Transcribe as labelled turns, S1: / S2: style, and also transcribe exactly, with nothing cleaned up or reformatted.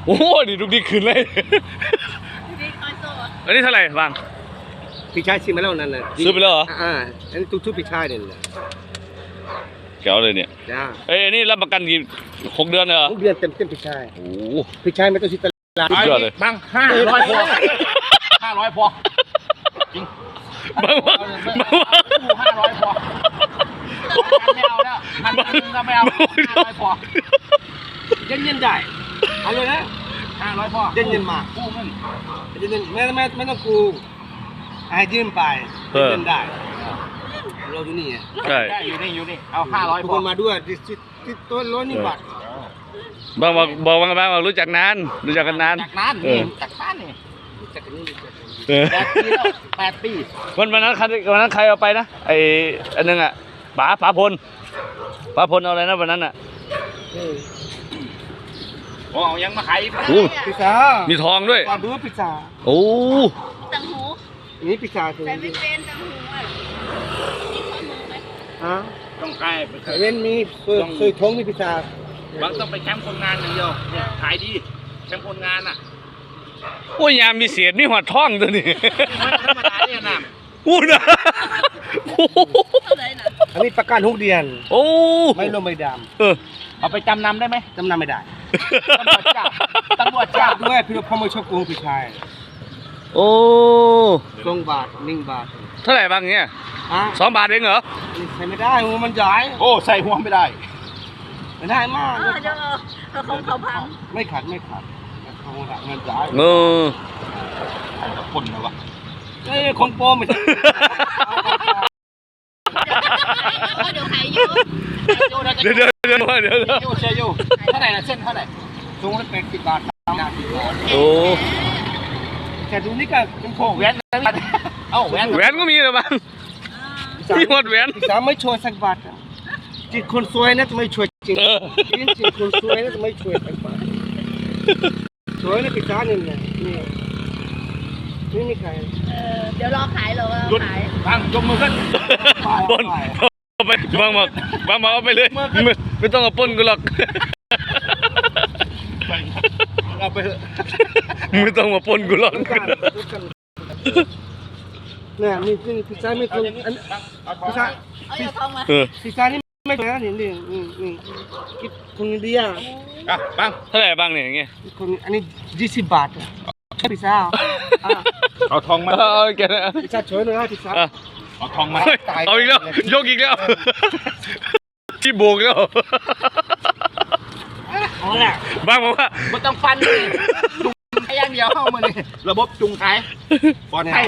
S1: โอ้ดิลูกดิขึ้นเลยอันนี้เท่าไหร่บาง
S2: พี่ชายชิมมาแล้วนั่นน่ะ
S1: ซื้อไปแล้วเหรอ
S2: อ่าอันนี้ทุกๆพี่ชายเนี่ย
S1: แก้วเลยเนี่ย
S2: จ้า
S1: เอ้ยนี่รับประกันกี่หกเดือนเหรอ
S2: หกเดือนเต็มเต็มพี่ชาย
S1: โอ้
S2: พี่ชายไม่ต้องชิตลาด
S1: เลย
S3: บางห้าร้อยพอห้าร้อยพอจริง
S1: บางว่าบางว่า
S3: ห้าร้อยพอไม่เอาแล้วพันหนึ่งก็ไม่เอาห้าร้อยพอ
S2: เย็นเย็นได้เอาเลยนะ
S3: ห้าร้อยพอ
S2: เย็นเย็นมา
S3: กู้เงิน
S2: เย็นเย็นไม่ไม่ไม่ต้องกู้ให้ยืมไปเย็นเย็นได้เราอยู่นี่
S1: ใช่
S3: อยู่นี่อยู่นี่เอาห้าร้อย
S2: ทุกคนมาด้วยที่ที่ต้นร้อยนี่บาท
S1: บางบอกบอกบางบางรู้จักนานรู้จักกันนาน
S3: จากนานนี่จากนานนี่
S2: จากกันนี่
S3: แปดปีแล้วแปดปี
S1: วันวันนั้นใครวันนั้นใครเอาไปนะไออันนึงอ่ะป๋าป๋าพลป๋าพลเอาอะไรนะวันนั้นอ่ะ
S3: โอ้ยังมาขาย
S2: พิซซ่า
S1: มีทองด้วย
S2: ความรู้พิซซ่า
S1: โอ้
S4: ตังหู
S2: นี่พิซซ่า
S4: แต่ไม่เป็นตังหูอ่ะ
S2: ฮะ
S3: ต้องใกล้
S2: เว้นมีเคยเคยท้องมีพิซซ่า
S3: บางต้องไปแคมป์คนงานอย่างเดียวขายดีแคมป์คนงานอ่ะ
S1: โอ้ยยามมีเสียดมีหัวท้องตัวนี้
S3: ธรรมดาเนี่ยนะ
S1: อู้นะ
S2: อันนี้ประกันหกเดือน
S1: โอ้
S2: ไม่ลงไม่ดำ
S1: เออ
S3: เอาไปจำนำได้ไหม
S2: จำนำไม่ได้
S3: ตำรวจจับตำรวจจับ
S2: ด้วยพี่พ่อไม่ชอบโกงพี่ชาย
S1: โอ้
S2: สองบาทหนึ่งบาท
S1: เท่าไหร่บางเงี้ยสองบาทเองเหรอ
S2: ใส่ไม่ได้หัวมันใหญ่
S3: โอ้ใส่หัวไม่ได้
S2: ไม่ได้มาก
S4: เดี๋ยวเขาเขาพัง
S2: ไม่ขาดไม่ขาดเขาหักเงินจ่าย
S1: เออ
S3: คนนะวะ
S2: เอ้ยคนโป้ไม่ใช่
S4: เดี๋ยวขายอยู่
S1: เดี๋ยวเดี๋ยวเดี๋ยวเดี๋ยวเดี๋ยว
S3: ยูเชยูเท่าไหร่ละเส้นเท่าไหร่
S2: สูงละแปดสิบบาทห้าสิบบาท
S1: โอ้
S2: แต่ดูนี่ก็เป็นโค้ง
S3: แหวนเอ้าแหวน
S1: แหวนก็มีเหรอบ้างมีหมดแหวน
S2: สามไม่ช่วยสักบาทจิตคนสวยนะจะไม่ช่วยจริงจิตคนสวยนะจะไม่ช่วยสักบาทสวยนะพิซซ่านี่เนี่ยนี่นี่นี่ใคร
S4: เดี๋ยวรอขายเราขาย
S3: บางยกมือขึ้น
S1: ปนเอาไปบางบอกบางบอกเอาไปเลยไม่ต้องเอาปนกูหรอก
S3: เอาไปเถอะ
S1: ไม่ต้องมาปนกูหรอก
S2: เนี่ยนี่นี่พิซซ่าไม่ตรงอันพิซซ่าพิซซ่านี่ไม่นะนี่นี่นี่คิดคนอินเดีย
S3: อ่ะบาง
S1: เท่าไหร่บางเนี่ยอย่างเงี้ย
S2: คนอันนี้ยี่สิบบาทพิซซ่า
S3: เอาทองมา
S1: เอาแกนะ
S2: พิซซ่าช่วยหน่อยพิซซ่า
S3: เอาทองมา
S1: เอาอีกแล้วยกอีกแล้วที่โบกแล้ว
S2: เอาแหละ
S1: บางบอกว่า
S3: ไม่ต้องฟันเลยจุงขายอย่างเดียวเข้ามาเลยระบบจุงขายปลอดภัย